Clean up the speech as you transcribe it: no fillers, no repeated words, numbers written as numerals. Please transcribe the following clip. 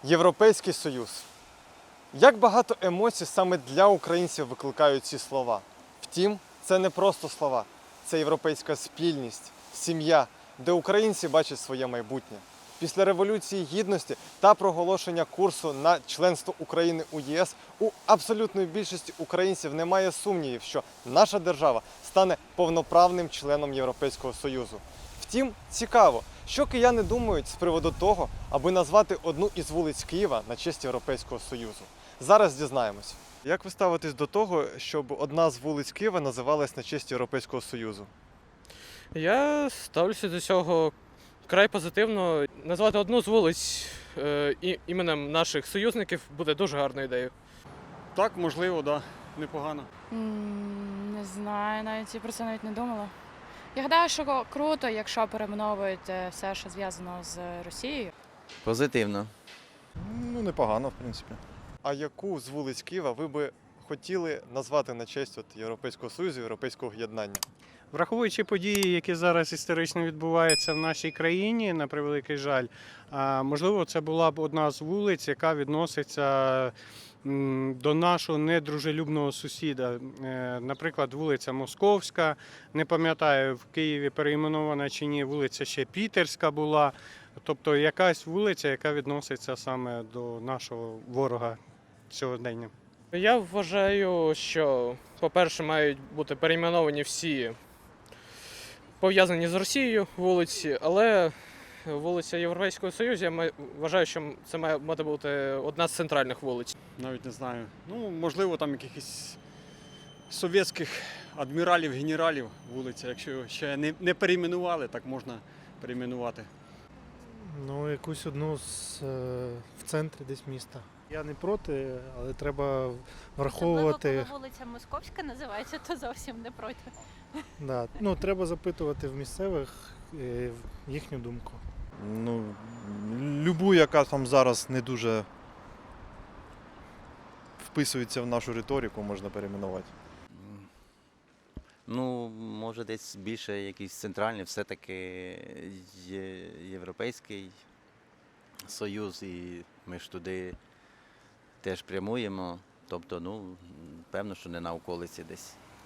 Європейський Союз. Як багато емоцій саме для українців викликають ці слова. Втім, це не просто слова. Це європейська спільність, сім'я, де українці бачать своє майбутнє. Після Революції Гідності та проголошення курсу на членство України у ЄС у абсолютної більшості українців немає сумнівів, що наша держава стане повноправним членом Європейського Союзу. Втім, цікаво, що кияни думають з приводу того, аби назвати одну із вулиць Києва на честь Європейського Союзу. Зараз дізнаємось. Як ви ставитесь до того, щоб одна з вулиць Києва називалась на честь Європейського Союзу? Я ставлюся до цього край позитивно. Назвати одну з вулиць іменем наших союзників буде дуже гарною ідеєю. Так, можливо, да. Непогано. Не знаю, навіть я про це навіть не думала. Я гадаю, що круто, якщо перейменовують все, що зв'язано з Росією. Позитивно. Непогано, в принципі. А яку з вулиць Києва ви би хотіли назвати на честь Європейського Союзу, Європейського єднання? Враховуючи події, які зараз історично відбуваються в нашій країні, на превеликий жаль, можливо, це була б одна з вулиць, яка відноситься до нашого недружелюбного сусіда. Наприклад, вулиця Московська, не пам'ятаю, в Києві перейменована чи ні, вулиця ще Пітерська була. Тобто якась вулиця, яка відноситься саме до нашого ворога сьогодення. Я вважаю, що, по-перше, мають бути перейменовані всі пов'язані з Росією вулиці, але вулиця Європейського Союзу, я вважаю, що це має бути одна з центральних вулиць. Навіть не знаю. Можливо, там якихось совєтських адміралів, генералів вулиця. Якщо ще не перейменували, так можна перейменувати. Якусь одну в центрі десь міста. Я не проти, але треба враховувати. Особливо, коли вулиця Московська називається, то зовсім не проти. Да. Треба запитувати в місцевих їхню думку. Любу, яка там зараз не дуже вписується в нашу риторику, можна перейменувати. Може десь більше якийсь центральний, все-таки Європейський Союз, і ми ж туди теж прямуємо. Тобто, певно, що не на околиці десь.